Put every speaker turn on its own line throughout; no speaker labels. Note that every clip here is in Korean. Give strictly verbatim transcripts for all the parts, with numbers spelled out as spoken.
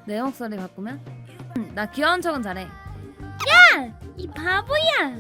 내 목소리 바꾸면? 음, 나 귀여운 척은 잘해.
야! 이 바보야!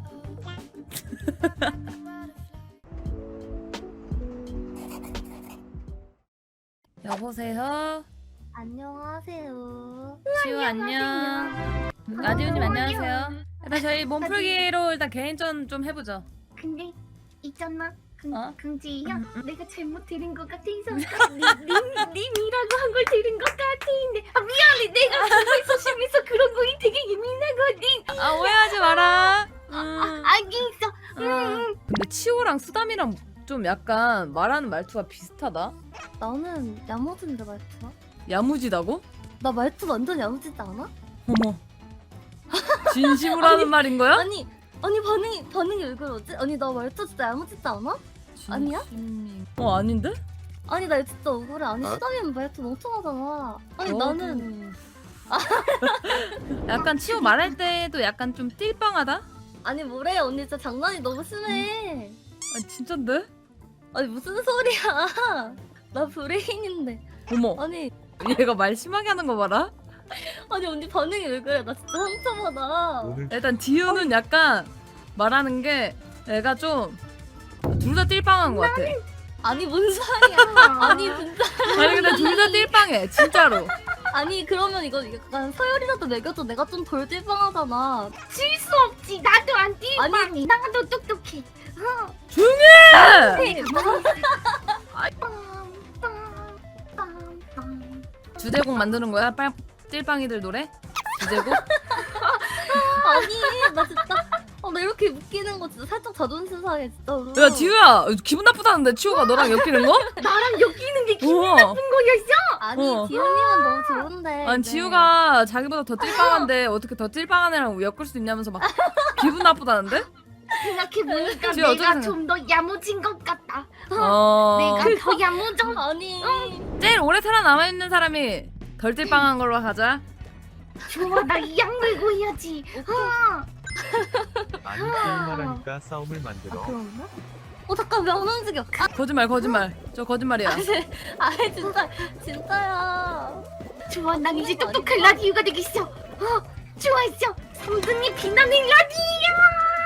여보세요?
안녕하세요.
지우 안녕. 라디오님 안녕하세요. 일단 저희 몸풀기로 일단 개인전 좀 해보죠.
근데 있잖아. 근,
어?
긍지야,
음, 음.
내가 잘못 들은 것 같아서 님, 님, 님이라고 한 걸 들은 것 같은데 아 미안해. 내가 정말 소심해서 그런 거에 되게 예민하거든.
아 오해하지 마라. 음.
아, 알겠어.
어.
음.
근데 치호랑 수담이랑 좀 약간 말하는 말투가 비슷하다.
나는 야무진데 말투가?
야무지다고?
나 말투 완전 야무지지 않아?
어머. 진심으로 하는 말인 거야?
아니 아니 반응이 반응이 왜 그러지? 아니 나 말투 진짜 야무지지 않아? 아니야?
진심이- 어 아닌데?
아니 나 진짜 억울해. 아니 수담이는 말투 멍청하잖아. 아니
너도-
나는
약간 치호 말할 때도 약간 좀 띨빵하다?
아니 뭐래 언니 진짜 장난이 너무 심해.
아 진짠데?
아니 무슨 소리야? 나 브레인인데.
어머
아니
얘가 말 심하게 하는 거 봐라.
아니 언니 반응이 왜 그래? 나 진짜 상처받아.
오늘
일단 디유는 약간 말하는 게 애가 좀 둘 다 띨빵한 것 같아.
아니 뭔 소리야? 아니 진짜
아니 근데 둘 다 띨빵해 진짜로.
아니 그러면 이거 약간 서열이라도 매겨도 내가 좀 덜 띨빵하잖아.
질 수 없지. 나도 안 띠빵이.
아니
나도 똑똑해.
조용해. 주제곡 만드는 거야? 빨 띨빵이들 노래? 주제곡?
아니 나 진짜 어, 나 이렇게 웃기는 거 진짜 살짝 자존심 상해 진짜로.
야 디유야 기분 나쁘다는데 치호가 너랑 엮이는 거?
나랑 엮이는 게 기분
우와.
나쁜 거였어?
아니
어.
지훈님은 너무 좋은데.
아니
네.
지우가 자기보다 더 띨빵한데 어떻게 더 띨빵한 애랑 엮을 수 있냐면서 막 기분 나쁘다는데?
생각해보니까
지우 어떻게
내가
생각해?
좀 더 야무진 것 같다.
어...
내가 더 야무져.
아니
제일 오래 살아남아있는 사람이 덜 띨빵한 걸로 가자.
좋아, 나 이 약 물고 해야지. 아,
아니 게임하라니까 싸움을 만들어.
그런가? 어 잠깐 면 움직여. 아,
거짓말 거짓말 저 거짓말이야.
아니 진짜 진짜야.
좋아, 난 이제 똑똑한 라디오가 되겠어. 어, 좋아했어. 삼등이 빛나는 라디오.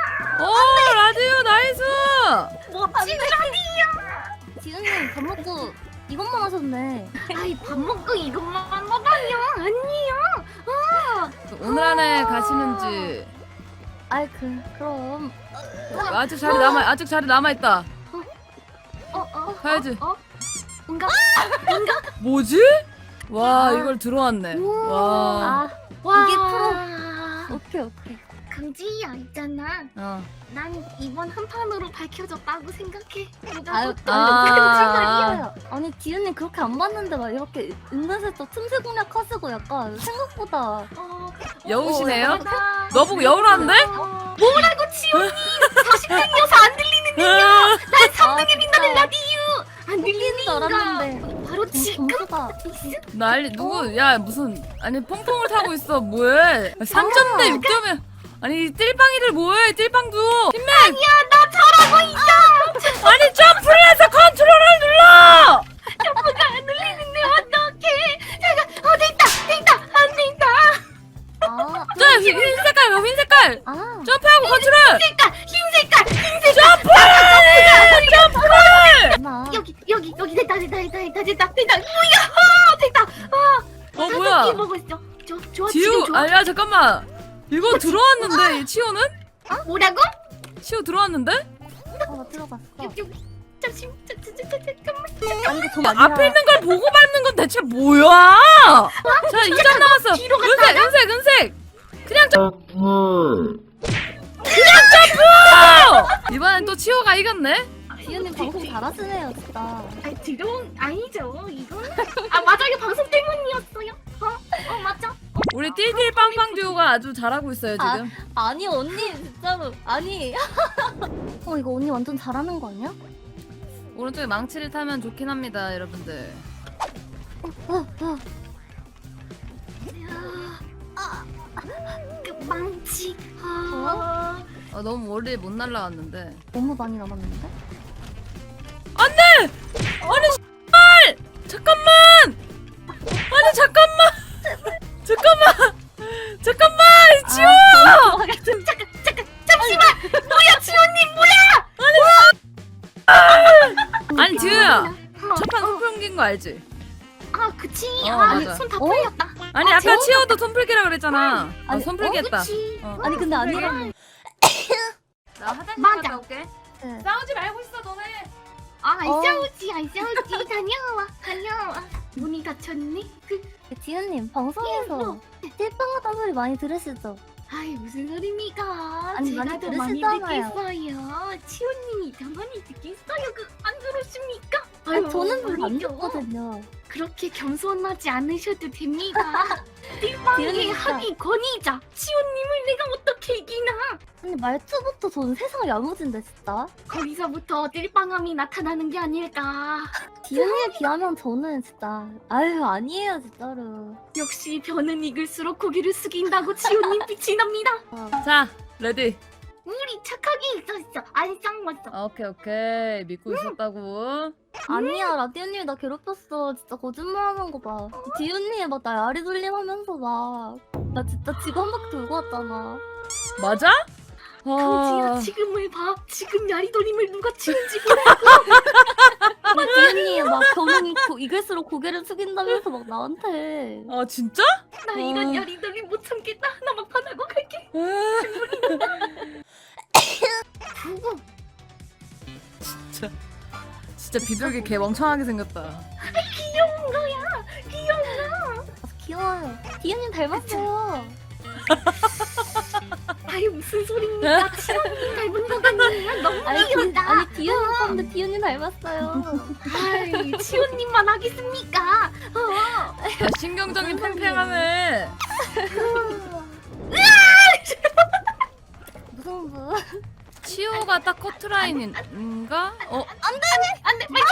오 라디오 나이스.
멋진 라디오.
지훈님 밥 먹고 이것만 하셨네.
아이, 밥 먹고 이것만 먹어봐요. 아니요.
오늘 안에 가시는지.
아이 그 그럼
아직 자리 남아 아직 자리 남아 있다.
어, 어.
가야지.
어? 뭔가?
뭐지? 와
아.
이걸 들어왔네.
우와.
와.
아
와.
이게 프로. 오케이 오케이.
강지야 있잖아.
어.
난 이번 한 판으로 밝혀졌다고 생각해. 내가
아유
또
아.
아, 아니 지훈님 그렇게 안 봤는데 막 이렇게 은근슬쩍 틈새 공략 하시고 약간 생각보다
어,
여우시네요?
어, 대단하다.
너 보고 여우라는데?
어, 뭐라고 지훈이 사십 등이어서 안 들리는
아,
삼 등에 빛나는 라디오 안
들리는
들리는
줄 알았는데
거 바로 지금
점수가
난리 누구 야 무슨 아니 퐁퐁을 타고 있어 뭐해? 삼 점 대 육 점에 아니 띨빵이들 뭐해 띨빵도 팀맥
아니야 나 잘하고 있어.
아니 점프를 해서 컨트롤을 눌러.
점프가 안 들리는데 어떡해. 잠깐 어 됐다 됐다 안 된다.
아,
저 흰, 흰 색깔 흰 색깔
아
점프하고 컨트롤
색깔 흰 색깔 흰 색깔
점프를 점프를
나
여기 여기 여기 됐다 됐다 됐다 됐다 됐다 됐다 뭐야 됐다.
어 뭐야
끼 먹었어. 저 좋아
지우
지금 좋아.
아야 잠깐만 이거 들어왔는데 이 치호는
뭐라고?
치호 들어왔는데
어, 들어갔어.
여기 여기 잠시 잠- 잠- 잠- 잠깐만.
아니 이게 좀
앞에 있는 걸 보고 밟는 건 대체 뭐야? 자 이 점 남았어.
뒤로
은색 은색 은색 그냥 점프 그냥 점프 이번엔 또 치호가 이겼네.
지훈님 방송 잘하시네요 진짜.
아 들어온 아니죠 이건. 아 맞아 이거 방송 때문이었어요. 어? 어 맞죠?
우리 띨띨 빵빵 듀오가 아주 잘하고 있어요 지금.
아니 언니 진짜로 아니. 어 이거 언니 완전 잘하는 거 아니야?
오른쪽에 망치를 타면 좋긴 합니다 여러분들.
어, 어.
그 망치. 아.
아, 너무 멀리 못 날라갔는데.
너무 많이 남았는데?
아니 씨발 잠깐만. 아니 잠깐만. 알지?
아 그치.
어,
아
맞아.
손 다
어?
풀렸다.
아니
아,
아까
재웠다.
치호도 손풀기라 그랬잖아. 어,
아니,
손풀기
어,
했다.
그치.
어.
아니 근데 아니라.
나 화장실
맞아.
갔다 올게.
네.
싸우지 말고 있어 너네.
아안
어.
싸우지 안 싸우지. 다녀와 다녀와. 문이 닫혔네. 그
지은님 방송에서 찔빵하다 소리 많이 들으시죠?
아이 무슨 소리입니까?
아니,
제가
많이
더 많이
들으시잖아요.
듣겠어요. 치호님이 더 많이 듣겠어요. 그 안 들으십니까?
아니
아유,
저는 별로 안
아니죠.
듣거든요.
그렇게 겸손하지 않으셔도 됩니다. 띠빵이
지은이가-
하기 권위자 치호님을 내가 어떻게 이기나?
근데 말투부터 저는 세상 야무진데 진짜.
거기서부터 띨빵함이 나타나는 게 아닐까.
지은이에 비하면 저는 진짜 아유 아니에요 진짜로.
역시 변은 익을수록 고개를 숙인다고 치호님 빛이 납니다.
어.
자 레디.
우리 착하게 있었어. 안 쌍웠어.
아, 오케이 오케이 믿고 있었다고.
아니야 라디오님이 나 괴롭혔어. 진짜 거짓말하는 거 봐. 지은님이 막 나 야리 돌림하면서 막 나 진짜 지구 한 바퀴 돌고 왔잖아.
맞아?
그지야
아,
지금을 봐. 지금 야리돌림을 누가 치는지 몰라.
막 지은이 막 겨눈이 고- 익을수록 고개를 숙인다면서 막 나한테.
아 진짜?
나 이런
어.
야리돌림 못 참겠다. 나 막판하고 갈게.
아,
구구.
진짜 진짜 비둘기 개 멍청하게 생겼다.
귀여운 거야. 귀여워.
아, 귀여워요. 지은님 닮았어요.
아유 무슨 소리입니까? 치호님 닮은 거 같네요. 너무
아니 디,
귀엽다.
아니 디은이 닮는데 디은이 닮았어요.
아이 치호님만 하겠습니까? 어.
야, 신경정이 팽팽하네.
무슨 부?
치호가 딱 커트라인인가? 어
안돼 빨리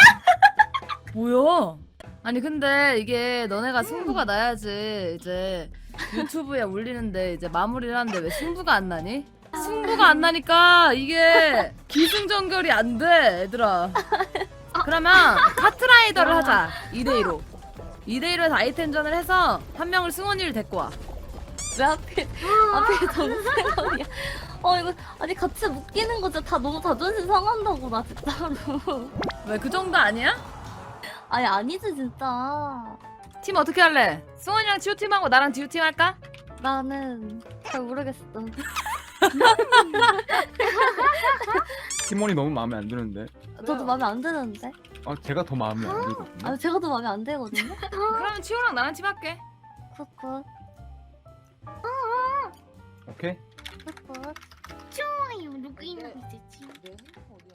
뭐야? 아니 근데 이게 너네가 승부가 나야지 이제 유튜브에 올리는데 이제 마무리를 하는데 왜 승부가 안 나니? 승부가 안 나니까 이게 기승전결이 안 돼 얘들아. 그러면 카트라이더를 하자. 이 대 이로 이 대 이로 해서 아이템전을 해서 한 명을 승원이를 데리고 와.
왜 하필 하필 정세원이야? 어 이거 아니 같이 묶이는 거 진짜 다 너무 자존심 상한다고 나 진짜로.
왜 그 정도 아니야?
아니 아니지 진짜.
팀 어떻게 할래? 승원이랑 지우팀하고 나랑 지우팀 할까?
나는 잘 모르겠어.
팀원이 너무 마음에 안 드는데.
저도 마음에 안 드는데.
아 제가 더 마음에 안 들거든요.
아 제가 더 마음에 안 들거든요.
그러면 치호랑 나랑 팀 할게.
굿굿
오케이.
굿굿.
좋아요. 누구 있는 거 있지?